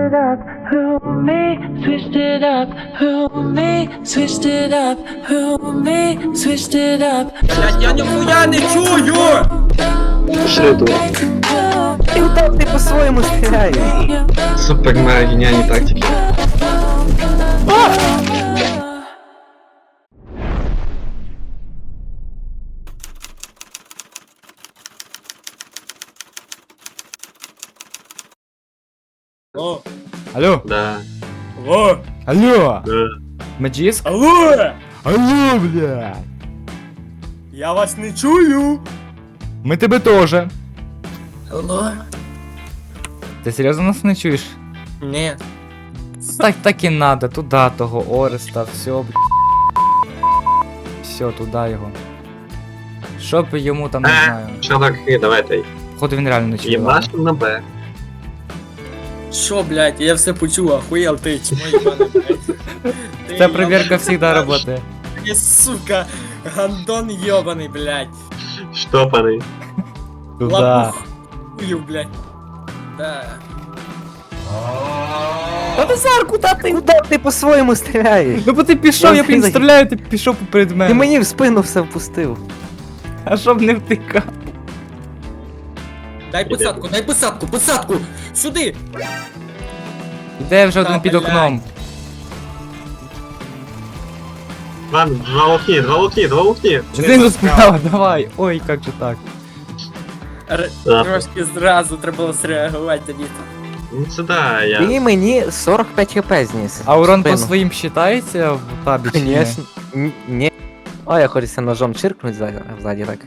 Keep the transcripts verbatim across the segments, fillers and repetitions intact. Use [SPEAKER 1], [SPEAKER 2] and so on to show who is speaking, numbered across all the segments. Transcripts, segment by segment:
[SPEAKER 1] it up, who me, switched it up, who me, switched it up, who me, switched it up.
[SPEAKER 2] Блять, я ніхуя не чую!
[SPEAKER 3] Ти там ти по-своєму стріляєш.
[SPEAKER 4] Супер мега геніальні тактики.
[SPEAKER 2] О,
[SPEAKER 5] Алло,
[SPEAKER 4] Да,
[SPEAKER 2] алло,
[SPEAKER 5] алло,
[SPEAKER 4] да.
[SPEAKER 5] Меджиск?
[SPEAKER 2] алло!
[SPEAKER 5] Алло, блядь.
[SPEAKER 2] Я вас не чую!
[SPEAKER 5] Ми тебе тоже.
[SPEAKER 2] Алло?
[SPEAKER 5] Ти серйозно нас не чуєш?
[SPEAKER 2] Ні.
[SPEAKER 5] Так, так і надо, туди того Ореста, все, блядь. Все, туди його. Що б йому там, не
[SPEAKER 4] Е,
[SPEAKER 5] знаю.
[SPEAKER 4] Чуваки, давайте.
[SPEAKER 5] Походу він реально не чує.
[SPEAKER 4] Єбаш на Б.
[SPEAKER 2] Що, блять, я все почув, охуєл ти, чмо єбаний, блять.
[SPEAKER 5] Ця перевірка завжди працює.
[SPEAKER 2] Ти, сука, гандон йобаний, блять.
[SPEAKER 4] Штопаний.
[SPEAKER 5] Туди.
[SPEAKER 2] Лапухую, блять. Да.
[SPEAKER 3] Та Назар, куди ти? Куди ти по-своєму стріляєш?
[SPEAKER 5] Ну бо ти пішов,
[SPEAKER 3] Я
[SPEAKER 5] я блін
[SPEAKER 3] взагалі-
[SPEAKER 5] стріляю, ти пішов поперед
[SPEAKER 3] Ти
[SPEAKER 5] мене.
[SPEAKER 3] мені в спину все впустив.
[SPEAKER 5] А щоб не втикав.
[SPEAKER 2] Дай посадку, дай посадку, посадку! Сюди!
[SPEAKER 5] Іде вже
[SPEAKER 2] Та,
[SPEAKER 5] один під
[SPEAKER 2] блядь.
[SPEAKER 5] окном.
[SPEAKER 4] Ладно, два лукні, два лукні, два лукні.
[SPEAKER 5] Знизу справа, давай. Ой, як же так.
[SPEAKER 2] Р-
[SPEAKER 4] Да.
[SPEAKER 2] Трошки зразу треба було среагувати тоді.
[SPEAKER 4] Ну це да, я.
[SPEAKER 3] Ти мені сорок п'ять хп зніс.
[SPEAKER 5] А урон по
[SPEAKER 3] Спину.
[SPEAKER 5] своїм считається в табі чи ні?
[SPEAKER 3] Конечно. Н- Ні. О, я хочеться ножом чиркнуть ззаді, ззаді так.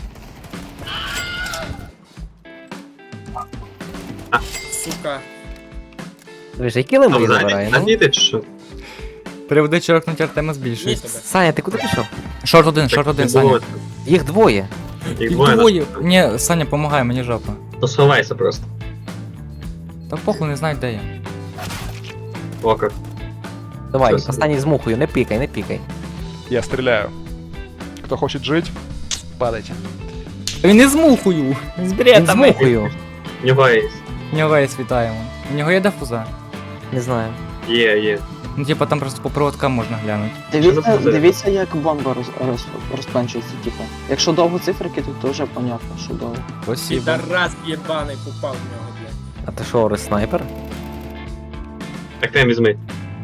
[SPEAKER 2] Сука.
[SPEAKER 3] Дивись, які лимби
[SPEAKER 4] Там
[SPEAKER 3] забирає,
[SPEAKER 4] ззаді,
[SPEAKER 3] ну?
[SPEAKER 4] ззаді ти чи що?
[SPEAKER 5] Приводи чоркнуть Артема
[SPEAKER 2] Ні
[SPEAKER 5] збільшується.
[SPEAKER 2] себе.
[SPEAKER 3] Саня, ти куди пішов?
[SPEAKER 5] Шорт один, шорт
[SPEAKER 4] Так,
[SPEAKER 5] один,
[SPEAKER 4] не
[SPEAKER 5] Саня.
[SPEAKER 4] було.
[SPEAKER 3] Їх двоє.
[SPEAKER 4] Їх
[SPEAKER 5] Їх
[SPEAKER 4] двоє.
[SPEAKER 5] двоє.
[SPEAKER 4] нас-
[SPEAKER 5] Ні, Саня, помагай, мені жопа.
[SPEAKER 4] То сховайся просто.
[SPEAKER 5] Та похуй, не знаю, де я.
[SPEAKER 4] Око.
[SPEAKER 3] Давай,
[SPEAKER 4] Що собі?
[SPEAKER 3] останній з мухою, не пікай, не пікай.
[SPEAKER 6] Я стреляю. Кто хочет жить, падайте.
[SPEAKER 5] Він не з мухою. З
[SPEAKER 3] Він з
[SPEAKER 5] бретами.
[SPEAKER 3] мухою.
[SPEAKER 4] В нього є.
[SPEAKER 5] В нього є вітаємо. В нього є дефуза.
[SPEAKER 3] Не знаю.
[SPEAKER 4] Є, є.
[SPEAKER 5] Ну типа там просто по проводкам можна глянути.
[SPEAKER 4] Що за
[SPEAKER 7] Дивіться,
[SPEAKER 4] позиція?
[SPEAKER 7] дивіться, як бомба роз, роз, розпленчується, типу. Якщо довго циферки, то вже понятно, що довго.
[SPEAKER 5] Спасибо.
[SPEAKER 2] Підарас єбаний попав в нього, блять.
[SPEAKER 3] А ти що, Орес, снайпер?
[SPEAKER 4] Так там візьми.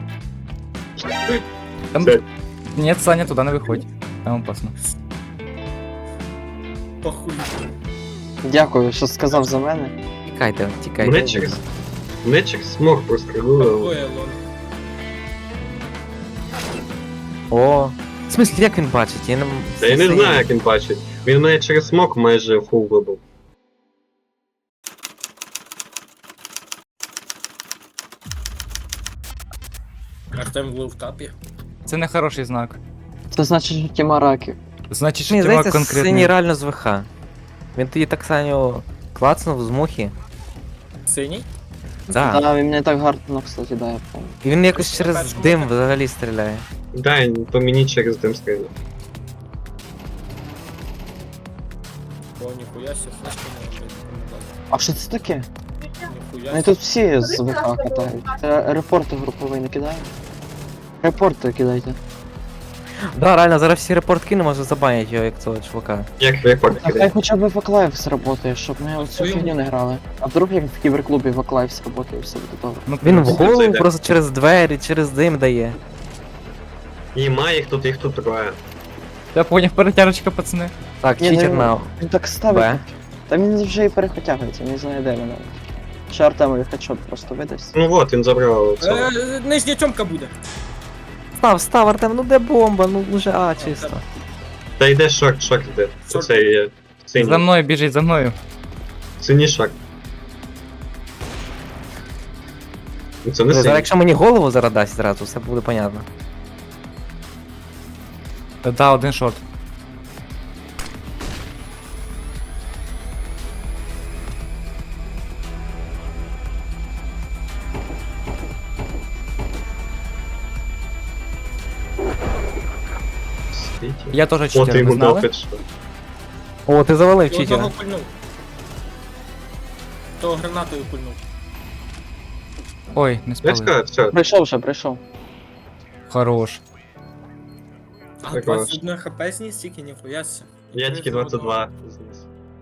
[SPEAKER 5] Там...
[SPEAKER 4] Це-
[SPEAKER 5] Ні, Саня, туди не виходь. Там опасно.
[SPEAKER 2] Похуй.
[SPEAKER 7] Дякую, що сказав за мене.
[SPEAKER 3] Тікайте, тікайте.
[SPEAKER 4] Мене через. Мене через смог прострілило.
[SPEAKER 2] Похує, лон.
[SPEAKER 3] О. В смислі, як він бачить? Я не...
[SPEAKER 4] Та я не знаю, як він бачить. Він мене через смок майже фул вибив.
[SPEAKER 2] Артем в лоу-тапі.
[SPEAKER 5] Це не хороший знак.
[SPEAKER 7] Це значить, що тіма раків.
[SPEAKER 5] Значить, що
[SPEAKER 3] Мені
[SPEAKER 5] тема
[SPEAKER 3] здається, синій
[SPEAKER 5] конкретно.
[SPEAKER 3] реально з ВХ. Він тоді так Саню клацнув з мухи.
[SPEAKER 2] Синій?
[SPEAKER 3] Да.
[SPEAKER 7] Да, він мене так гарно, кстати, да, я помню.
[SPEAKER 3] І він якось через
[SPEAKER 2] Перша
[SPEAKER 3] дим
[SPEAKER 2] муха.
[SPEAKER 3] взагалі стріляє.
[SPEAKER 4] Дай по мені через дим стріляє.
[SPEAKER 2] О, ніхуя сі, флешки не робить.
[SPEAKER 7] А що це таке?
[SPEAKER 2] Ніхуя
[SPEAKER 7] Вони
[SPEAKER 2] сі.
[SPEAKER 7] тут всі з ВК катають. Це репорти груповий не кидаємо? Репорти кидайте.
[SPEAKER 3] Да, реально, зараз всі репорт кинемо, може забанять його, як цього чувака.
[SPEAKER 4] Як рекорд
[SPEAKER 7] А хай
[SPEAKER 4] кидає.
[SPEAKER 7] хоча б Ваклайв сработає, щоб ми оцю
[SPEAKER 2] Своєму.
[SPEAKER 7] фігню не грали. А вдруг як в кіберклубі Ваклайв сработає і все буде добре.
[SPEAKER 5] Ну,
[SPEAKER 3] Він в
[SPEAKER 5] плюс.
[SPEAKER 4] Це
[SPEAKER 3] голову
[SPEAKER 4] йде.
[SPEAKER 3] просто через двері, через дим дає.
[SPEAKER 4] І має їх тут, їх тут троє.
[SPEAKER 5] Я поняв, перетяжечка, пацани.
[SPEAKER 3] Так,
[SPEAKER 7] Ні,
[SPEAKER 3] читер
[SPEAKER 7] ну,
[SPEAKER 3] на
[SPEAKER 7] Він так ставить.
[SPEAKER 3] Б.
[SPEAKER 7] Та він вже і перехотягується, не знає де він навіть. Чи Артемові хедшот просто видасть.
[SPEAKER 4] Ну от, він забрав цього.
[SPEAKER 2] Е, Нижня тьомка буде.
[SPEAKER 3] Став, став, Артем, ну де бомба? Ну уже А чисто.
[SPEAKER 4] Та йде шорт, шорт йде.
[SPEAKER 2] Шорт.
[SPEAKER 4] Оце є.
[SPEAKER 5] За
[SPEAKER 4] Синій.
[SPEAKER 5] мною біжить, за мною.
[SPEAKER 4] Синій шорт. Ну, Це не
[SPEAKER 3] Зараз,
[SPEAKER 4] синій.
[SPEAKER 3] якщо мені голову зараз дасть зразу, все буде понятно.
[SPEAKER 5] Та да, один шорт.
[SPEAKER 4] Світі.
[SPEAKER 5] Я теж
[SPEAKER 4] О, ти
[SPEAKER 5] читер, ви
[SPEAKER 4] йому дав
[SPEAKER 5] знали?
[SPEAKER 4] хедшот.
[SPEAKER 3] О, ти завалив
[SPEAKER 2] І одного
[SPEAKER 3] читера.
[SPEAKER 2] пульнув. Того гранатою пульнув.
[SPEAKER 5] Ой, не
[SPEAKER 4] Я
[SPEAKER 5] спалив.
[SPEAKER 4] сказав, все.
[SPEAKER 7] Прийшов вже, прийшов.
[SPEAKER 5] Хорош.
[SPEAKER 2] А
[SPEAKER 4] Так,
[SPEAKER 2] двадцять один хп зніс тільки, ніхуя ся.
[SPEAKER 4] Я тільки двадцять два зніс.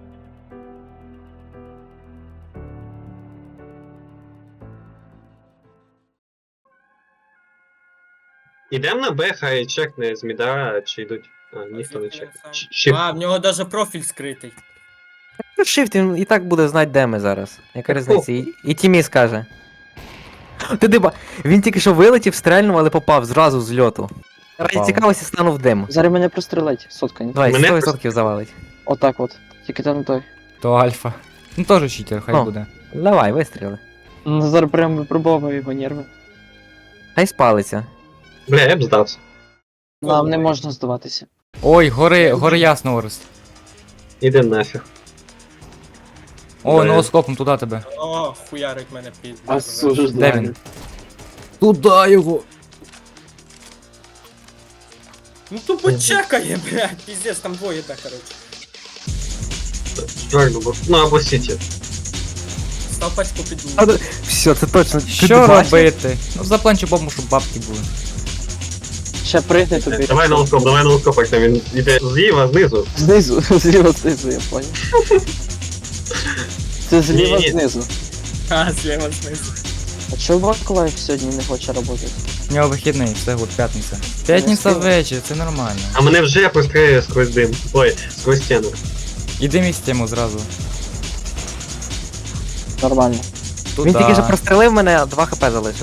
[SPEAKER 4] Ідем на Б, хай чекне з міда, чи йдуть. А, ніхто не чекне. Щ- Щіп.
[SPEAKER 2] А, в нього даже профіль скритий.
[SPEAKER 3] Shift, він і так буде знати, де ми зараз. Яка різниця? І, і Тімі скаже. Ти диба, він тільки що вилетів, стрельнув, але попав зразу з льоту. Раді
[SPEAKER 5] Попав.
[SPEAKER 3] цікавості стану в дим.
[SPEAKER 7] Зараз мене прострелить, сотка, ні?
[SPEAKER 3] Давай,
[SPEAKER 4] Мене
[SPEAKER 3] сто відсотків завалить.
[SPEAKER 7] Отак от. Тільки там той.
[SPEAKER 5] То альфа. Ну теж читер, хай
[SPEAKER 3] О.
[SPEAKER 5] буде.
[SPEAKER 3] Давай, вистріли.
[SPEAKER 7] Ну, зараз прям випробовую його нерви.
[SPEAKER 3] Хай спалиться.
[SPEAKER 4] Бля, я б здався.
[SPEAKER 7] Нам не можна здаватися.
[SPEAKER 5] Ой, гори, гори ясно, Орес.
[SPEAKER 4] Іди нафіг.
[SPEAKER 5] О,
[SPEAKER 4] Да.
[SPEAKER 5] ноускопом туди тебе.
[SPEAKER 2] О, хуярить мене під.
[SPEAKER 5] Де він? Туда його.
[SPEAKER 2] Ну то почекає, блядь, піздець, там двоє, да, короче.
[SPEAKER 4] Чувак, ну, ну або сіті.
[SPEAKER 2] Став пачку під
[SPEAKER 3] А, да- Все, це точно. Ти
[SPEAKER 5] Що
[SPEAKER 3] бачив?
[SPEAKER 5] робити? Ну запланчу бомбу, щоб бабки були.
[SPEAKER 7] Ще пригни тобі.
[SPEAKER 4] Давай на лоскоп, давай на лоскоп, як там він іде зліва, знизу.
[SPEAKER 7] Знизу, зліва знизу, я понял. Це зліва
[SPEAKER 4] Ні-ні.
[SPEAKER 7] знизу.
[SPEAKER 2] А, зліва знизу.
[SPEAKER 7] А чого Ваколаєв сьогодні не хоче працювати?
[SPEAKER 5] У нього вихідний, все гуд, п'ятниця. П'ятниця
[SPEAKER 7] встиг.
[SPEAKER 5] ввечері, це нормально.
[SPEAKER 4] А мене вже прострелює сквозь дим. Ой, сквозь стіну.
[SPEAKER 5] Іди між тему зразу.
[SPEAKER 7] Нормально.
[SPEAKER 5] Туда.
[SPEAKER 3] Він тільки що прострелив мене, два хп залишив.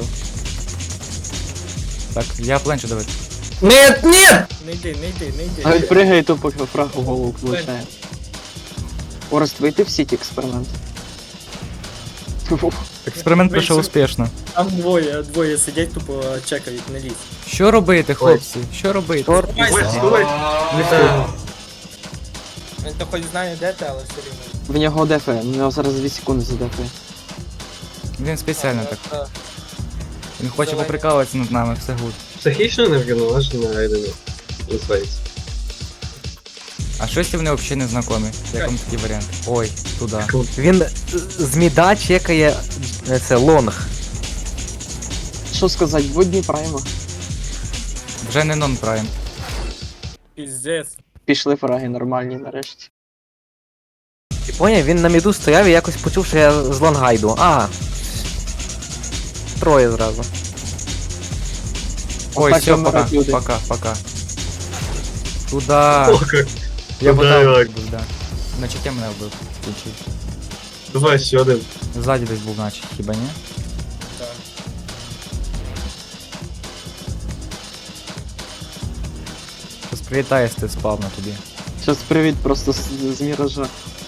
[SPEAKER 5] Так, я пленчу давай.
[SPEAKER 3] Нет, нет!
[SPEAKER 2] Не йди, не йди, не йди.
[SPEAKER 7] А він пригає, то поки фраг у голову влучає. Орест, вийти в сіті експеримент. Фу.
[SPEAKER 5] Експеримент пройшов
[SPEAKER 2] Вийшов.
[SPEAKER 5] успішно.
[SPEAKER 2] Там двоє, двоє сидять, тупо чекають, не лізь.
[SPEAKER 5] Що робити, хлопці? Що робити?
[SPEAKER 3] Чорт.
[SPEAKER 4] Ой, стой! Вітаю.
[SPEAKER 2] Він то хоч знає, де ти, але все рівно.
[SPEAKER 7] В нього дефе, в нього зараз дві секунди задефає.
[SPEAKER 5] Він спеціально так.
[SPEAKER 2] Так.
[SPEAKER 5] Він хоче
[SPEAKER 2] Давай.
[SPEAKER 5] поприкалуватися над нами, все гуд.
[SPEAKER 4] Психічно неврівноважена Райдена. Називається.
[SPEAKER 5] А щось вони взагалі не знайомі. Як вам такий варіант? Ой, туди.
[SPEAKER 3] Він з міда чекає е, це лонг.
[SPEAKER 7] Що сказати, водні прайма.
[SPEAKER 5] Вже не нон-прайм.
[SPEAKER 2] Піздець.
[SPEAKER 7] Пішли фраги нормальні нарешті.
[SPEAKER 3] Ти поняв, він на міду стояв і якось почув, що я з лонга йду. А. Троє зразу.
[SPEAKER 5] Ой,
[SPEAKER 7] Отак
[SPEAKER 5] все, пока,
[SPEAKER 7] вмирають люди.
[SPEAKER 5] пока, пока. Туда.
[SPEAKER 4] О, як.
[SPEAKER 5] Я
[SPEAKER 4] Туда,
[SPEAKER 5] подав
[SPEAKER 4] як.
[SPEAKER 5] був, да. Значить я мене вбив. Кінчив.
[SPEAKER 4] Давай ще один.
[SPEAKER 5] Ззаді десь був, наче, хіба ні?
[SPEAKER 2] Так.
[SPEAKER 5] Щось прилітає з ти спавна тобі.
[SPEAKER 7] Щас привіт просто з, з міража.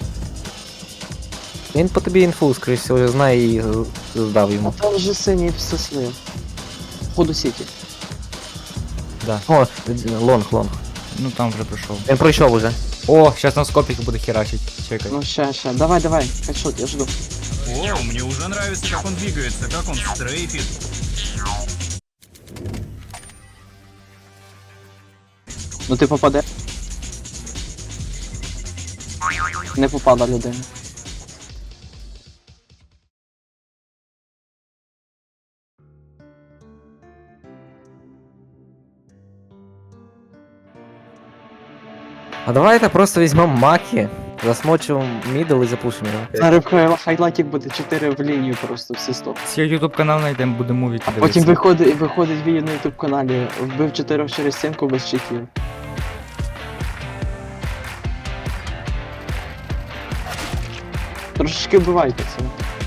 [SPEAKER 3] Він по тобі інфу, скоріш всього, знає і з- здав
[SPEAKER 7] А
[SPEAKER 3] йому.
[SPEAKER 7] там вже синій все слив. Ходу сіті.
[SPEAKER 5] Да.
[SPEAKER 3] О, лонг, лонг.
[SPEAKER 5] Ну там вже пройшов.
[SPEAKER 3] Він пройшов уже.
[SPEAKER 5] О, зараз на скопіки буде херачить. Чекай.
[SPEAKER 7] Ну ще, ще. Давай, давай. Хедшот, я жду.
[SPEAKER 8] О, мне уже нравится, как он двигается, как он стрейфит.
[SPEAKER 7] Ну ти попаде. Не попала людина.
[SPEAKER 3] А давайте просто візьмемо маки, засмочимо мідл і запушимо його.
[SPEAKER 7] Зараз в хайлайтик буде чотири в лінію просто всі стоп.
[SPEAKER 5] Всі ютуб канал знайдемо, буде мувіки
[SPEAKER 7] Потім
[SPEAKER 5] дивитися.
[SPEAKER 7] виходить, виходить відео на ютуб каналі. Вбив чотирьох через стінку без читів. Трошечки вбивайте це.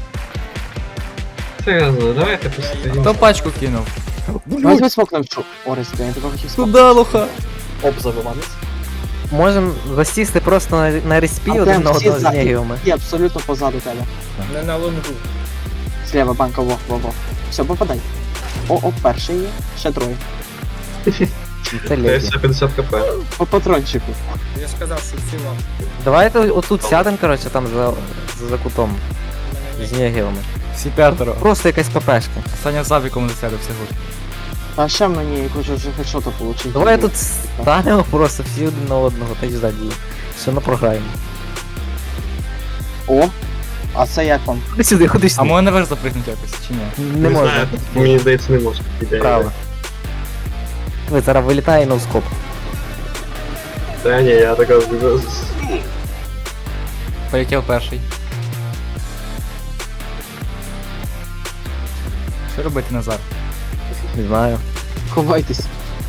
[SPEAKER 4] Серйозно, давайте посидимо.
[SPEAKER 5] Хто пачку кинув?
[SPEAKER 7] Возьми смок на вчу. Орес, я тебе хотів смок.
[SPEAKER 5] Туда, лоха.
[SPEAKER 3] Можемо засісти просто на, на респі
[SPEAKER 7] А
[SPEAKER 3] один
[SPEAKER 7] прям
[SPEAKER 3] на
[SPEAKER 7] всі
[SPEAKER 3] одного з
[SPEAKER 7] ззаді.
[SPEAKER 3] нігіями.
[SPEAKER 7] І абсолютно позаду тебе.
[SPEAKER 2] Не на лонгу.
[SPEAKER 7] Зліва банка, во, во, во. Все, попадай. О, о, перший є, ще троє.
[SPEAKER 3] Це леді.
[SPEAKER 4] Це п'ятдесят хп.
[SPEAKER 7] По патрончику.
[SPEAKER 2] Я ж сказав, що всі лонг.
[SPEAKER 3] Давайте отут сядемо, коротше, там за, за, за кутом. З нігіями.
[SPEAKER 5] Всі п'ятеро.
[SPEAKER 3] Просто якась ППшка.
[SPEAKER 5] Саня з Авіком засяде, все гуд.
[SPEAKER 7] А ще мені хочу вже хедшота получити.
[SPEAKER 3] Давай тут станемо просто всі один на одного, та й ззаді. Все на програмі.
[SPEAKER 7] О, А це як вам?
[SPEAKER 3] Ходи сюди, ходи
[SPEAKER 5] А
[SPEAKER 3] сюди.
[SPEAKER 5] можна наверх запригнути якось, чи ні?
[SPEAKER 3] Не можна.
[SPEAKER 4] знаю, мені здається, не можна. Ідея.
[SPEAKER 3] Право. Ви зараз вилітає ноускоп.
[SPEAKER 4] Та ні, я така...
[SPEAKER 5] Полетів перший. Що робити, Назар?
[SPEAKER 3] Не знаю.
[SPEAKER 7] Ховайтесь.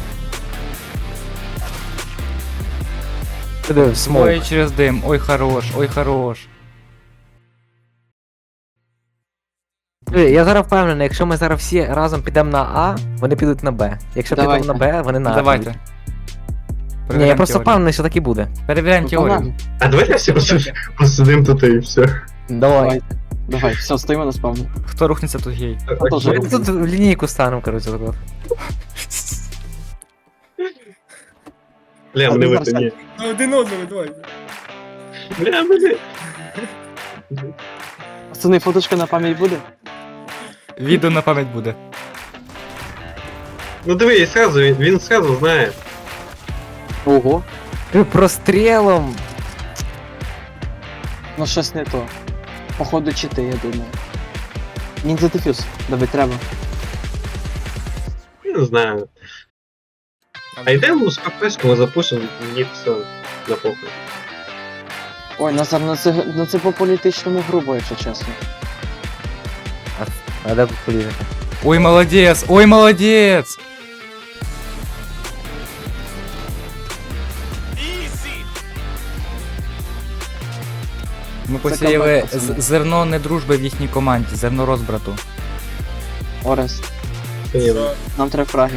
[SPEAKER 3] Куди в смок?
[SPEAKER 5] Ой, через дим, ой, хорош, ой, хорош.
[SPEAKER 3] Диви, я зараз впевнений, якщо ми зараз всі разом підемо на А, вони підуть на Б. Якщо підемо
[SPEAKER 7] Давайте.
[SPEAKER 3] на Б, вони на А.
[SPEAKER 5] Давайте.
[SPEAKER 3] підуть. Ні, я
[SPEAKER 5] Перевіряємо
[SPEAKER 3] просто
[SPEAKER 5] теорію.
[SPEAKER 3] впевнений, що так і буде.
[SPEAKER 5] Перевіряємо
[SPEAKER 7] Ну,
[SPEAKER 5] теорію.
[SPEAKER 7] погнали.
[SPEAKER 4] А давайте всі просто посидимо тут і все.
[SPEAKER 3] Давай.
[SPEAKER 7] Давайте. Давай, все, стоїмо на спавні.
[SPEAKER 5] Хто рухнеться, тут гей.
[SPEAKER 7] Я теж
[SPEAKER 3] Ми
[SPEAKER 7] роблю.
[SPEAKER 3] тут в лінійку станемо, коротше, так от.
[SPEAKER 4] Бля, мене вити, ні.
[SPEAKER 2] Ну один одного, давай.
[SPEAKER 4] Бля, мене...
[SPEAKER 7] Пацани, фоточка на пам'ять буде?
[SPEAKER 5] Відео на пам'ять буде.
[SPEAKER 4] Ну диви, і сразу, він, він сразу знає.
[SPEAKER 7] Ого.
[SPEAKER 3] Ти прострілом.
[SPEAKER 7] Ну щось не то. Походу чити, я думаю. Ніндзя дефюз, давай треба.
[SPEAKER 4] Я не знаю. А йдемо з кафешку, запушимо, мені все на похуй.
[SPEAKER 7] Ой, Назар, ну це, ну це по політичному грубо, якщо чесно.
[SPEAKER 3] А де тут політика?
[SPEAKER 5] Ой, молодець, ой, молодець! Ми посіяли
[SPEAKER 7] камбек, пацани.
[SPEAKER 5] з- зерно недружби в їхній команді, зерно розбрату.
[SPEAKER 7] Орест,
[SPEAKER 4] Та ні,
[SPEAKER 2] Що?
[SPEAKER 7] нам треба фраги.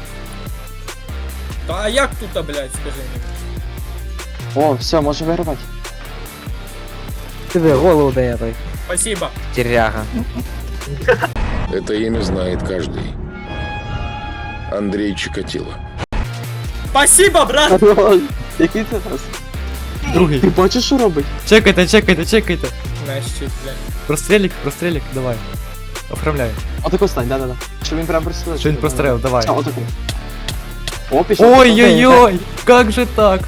[SPEAKER 2] Та а як тут, а, блядь, скажи мені?
[SPEAKER 7] О, все, може вигравати.
[SPEAKER 3] Диви, голову дає той.
[SPEAKER 2] Спасибо.
[SPEAKER 3] Тіряга.
[SPEAKER 9] Это имя знает каждый. Андрей Чикатило.
[SPEAKER 2] Спасибо, брат!
[SPEAKER 7] Який це раз?
[SPEAKER 5] Другий.
[SPEAKER 7] Ти бачиш, що робить?
[SPEAKER 5] Чекайте, чекайте, чекайте.
[SPEAKER 2] Знаєш, чуть, блядь.
[SPEAKER 5] Прострелік, прострелік, давай. Оформляй.
[SPEAKER 7] Отако стань, да-да-да. Щоб він прям прострелив.
[SPEAKER 5] Що він прострелив, давай.
[SPEAKER 7] Все, отако. О, пішов.
[SPEAKER 5] Ой-ой-ой, как же так?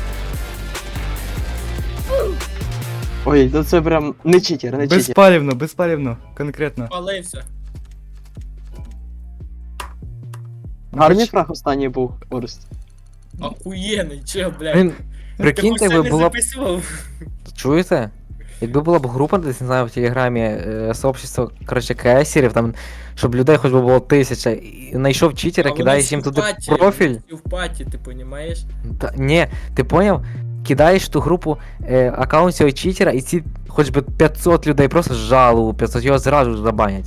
[SPEAKER 7] Ой, ну це прям не читер, не читер.
[SPEAKER 5] Безпалівно, безпалівно, конкретно.
[SPEAKER 2] Палився.
[SPEAKER 7] Гарний фраг останній був, Орест.
[SPEAKER 2] Охуєнний, чел, блядь.
[SPEAKER 3] Він,
[SPEAKER 2] Ти
[SPEAKER 3] прикиньте,
[SPEAKER 2] хоч
[SPEAKER 3] якби
[SPEAKER 2] не
[SPEAKER 3] була б.
[SPEAKER 2] записував?
[SPEAKER 3] Чуєте? Якби була б група, десь не знаю, в Телеграмі, е, сообщество, коротше, кесерів, там, щоб людей хоч би було тисяча, і знайшов читера,
[SPEAKER 2] А вони
[SPEAKER 3] кидаєш
[SPEAKER 2] всі
[SPEAKER 3] їм
[SPEAKER 2] в
[SPEAKER 3] туди
[SPEAKER 2] паті,
[SPEAKER 3] профіль.
[SPEAKER 2] всі в паті, ти понімаєш?
[SPEAKER 3] Та, ні, ти поняв? Кидаєш в ту групу е, аккаунт цього читера, і ці хоч би п'ятсот людей просто жалу, п'ятсот його зразу ж забанять.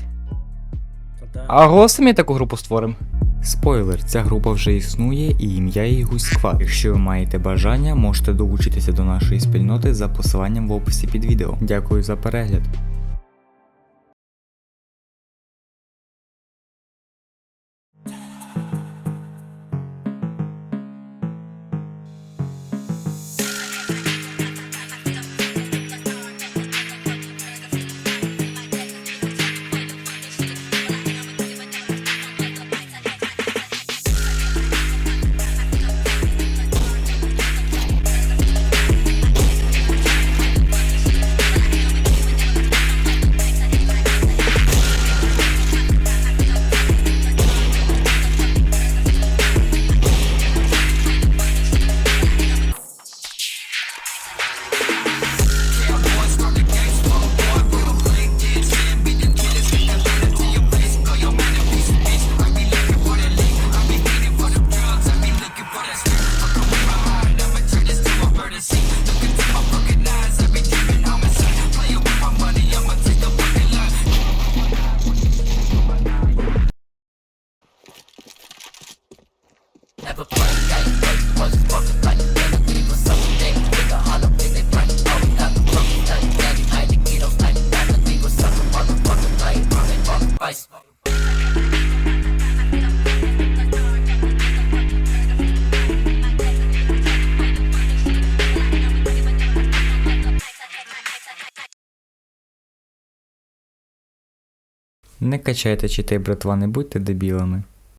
[SPEAKER 2] Та да.
[SPEAKER 5] А голосом таку групу створимо. Спойлер, ця група вже існує і ім'я її Гуськва. Якщо ви маєте бажання, можете долучитися до нашої спільноти за посиланням в описі під відео. Дякую за перегляд. Не качайте чити, братва, не будьте дебілами.